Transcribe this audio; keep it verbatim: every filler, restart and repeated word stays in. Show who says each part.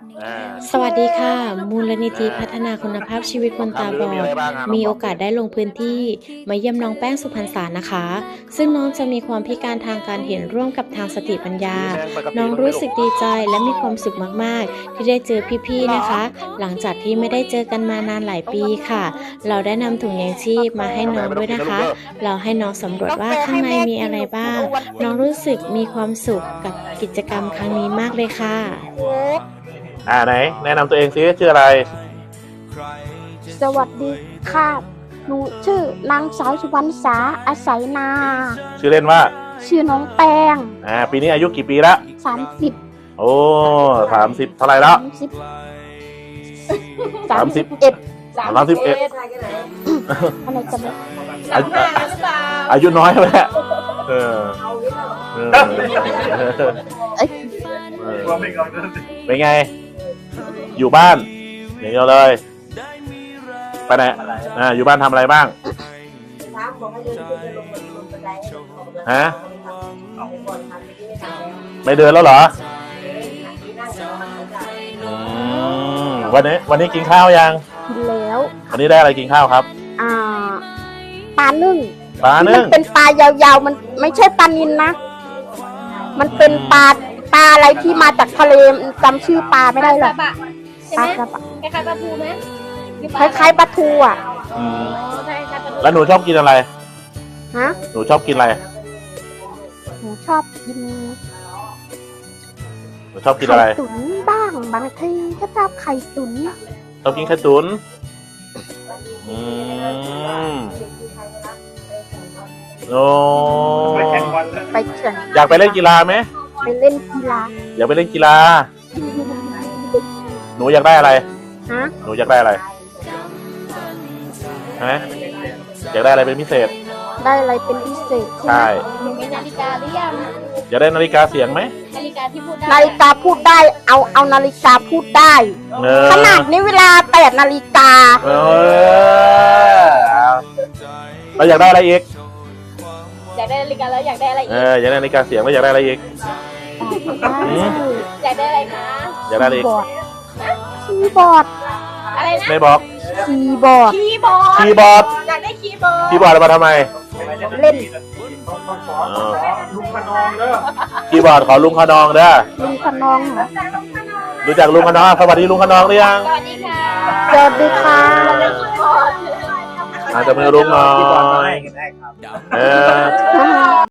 Speaker 1: อ่า
Speaker 2: สวัสดีค่ะ มูลนิธิพัฒนาคุณภาพชีวิตคนตาบอด มีโอกาสได้ลงพื้นที่มาเยี่ยมน้องแป้งสุพรรณสารนะคะ ซึ่งน้องจะมีความพิการทางการเห็นร่วมกับทางสติปัญญา น้องรู้สึกดีใจและมีความสุขมากๆ ที่ได้เจอพี่ๆนะคะ หลังจากที่ไม่ได้เจอกันมานานหลายปีค่ะ เราได้นำถุงยางชีพมาให้น้องด้วยนะคะ เราให้น้องสำรวจว่าข้างในมีอะไรบ้าง น้องรู้สึกมีความสุขกับกิจกรรมครั้งนี้มากเลยค่ะ
Speaker 1: อ่าไหนแนะนำตัวเองซิชื่ออะไร
Speaker 3: สวัสดีค่ะ หนูชื่อนางสาวสุวรรณษาอาศัยนา
Speaker 1: ชื่อเล่นว่า
Speaker 3: ชื่อน้องแป้ง
Speaker 1: อ่าปีนี้อายุกี่ปีละ
Speaker 3: สามสิบ
Speaker 1: โอ้สามสิบเท่าไหร่แล้ว
Speaker 3: สิบ
Speaker 1: สามสิบ
Speaker 3: เอ็ด
Speaker 1: สามสิบเอ็ด
Speaker 3: อะไรจะไม่
Speaker 1: อายุอายุน้อยไปแล้วเออเออ
Speaker 3: เอ้ย
Speaker 1: เออเป็นไง อยู่บ้านอย่างเดียวเลยไปไหนอ่าอยู่บ้านทำอะไรบ้างฮะไม่เดินแล้วเหรออืมวันนี้วันนี้กินข้าวยัง
Speaker 3: กินแล้ว
Speaker 1: วันนี้ได้อะไรกินข้าวครับ
Speaker 3: อ่าปลานึ่ง
Speaker 1: ปลา
Speaker 3: มั
Speaker 1: นึ่ง
Speaker 3: เป็นปลายาวๆมันไม่ใช่ปลานิลนะ มันเป็นปลาปลาอะไรที่มาจากทะเลจำชื่อปลาไม่ได้หรอก
Speaker 4: ใช่
Speaker 3: ป
Speaker 4: ไห
Speaker 3: ลาม กระบะ
Speaker 4: คล้ายๆปลาทูไหม
Speaker 3: คล้ายๆปลาทูอ่ะ
Speaker 1: อืม
Speaker 4: ๆใช่คล้ายๆปลาทู
Speaker 1: แล้วหนูชอบกินอะไร
Speaker 3: ฮะ
Speaker 1: หนูชอบกินอะไร
Speaker 3: หนูชอบกิน
Speaker 1: หนูชอบกินอะไร
Speaker 3: ไข่ตุ๋นบ้างบางทีก็ชอบไข่ตุ๋น
Speaker 1: ชอบกินไข่ตุ๋นอืมโอ้
Speaker 3: ไปแข่ง
Speaker 1: อยากไปเล่นกีฬาไหม
Speaker 3: ไปเล่นกีฬา
Speaker 1: อยากไปเล่นกีฬา หนูอยากได้อะไร
Speaker 3: ฮะ
Speaker 1: หนูอยากได้อะไรฮะอยากได้อะไรเป็นพิเศษ
Speaker 3: ได้อะไรเป็นพิเศษ
Speaker 1: ใช่
Speaker 4: หนูมีนาฬิกาหรือยัง
Speaker 1: อยากได้นาฬิกาเสียงไหม
Speaker 4: นาฬิกาที่พูดได้
Speaker 3: นาฬิกาพูดได้ เอาเอานาฬิกาพูดได้
Speaker 1: เออ
Speaker 3: ขนาดนี้เวลาแปดนาฬิกา
Speaker 1: เออเราอยากได้อะไรอีก
Speaker 4: อยากได้นาฬิกาแล้วอยากได้อะไร
Speaker 1: เอ
Speaker 4: อีก
Speaker 1: ออยากได้นาฬิกาเสียงแล้วอยากได้อะไรอีก อืม
Speaker 4: อยากได้อะไรคะ
Speaker 1: อยากได้อะไรอีก
Speaker 3: คีย์บอร์ด
Speaker 4: อะไรนะ
Speaker 1: ไม่บอก
Speaker 3: คีย์บอร์ด
Speaker 4: คีย์บอร์ด
Speaker 1: คีย์บอร์ด
Speaker 4: อยากได้คีย์บอร์ด
Speaker 1: คีย์บอร์ดเอามาทำไม
Speaker 3: เล่น
Speaker 1: อ๋อคีย์บอร์ดขอลุงขนองเด้อ
Speaker 3: ลุงขนองเหรอ
Speaker 1: รู้จักลุงขนองสวัสดีลุงขนองหรือยัง
Speaker 4: สวัสดีค่ะ
Speaker 3: สวัสดีค่ะ
Speaker 4: อยากได้คีย์บอร์ด
Speaker 1: อาจจะมือลุงหน่อยเออ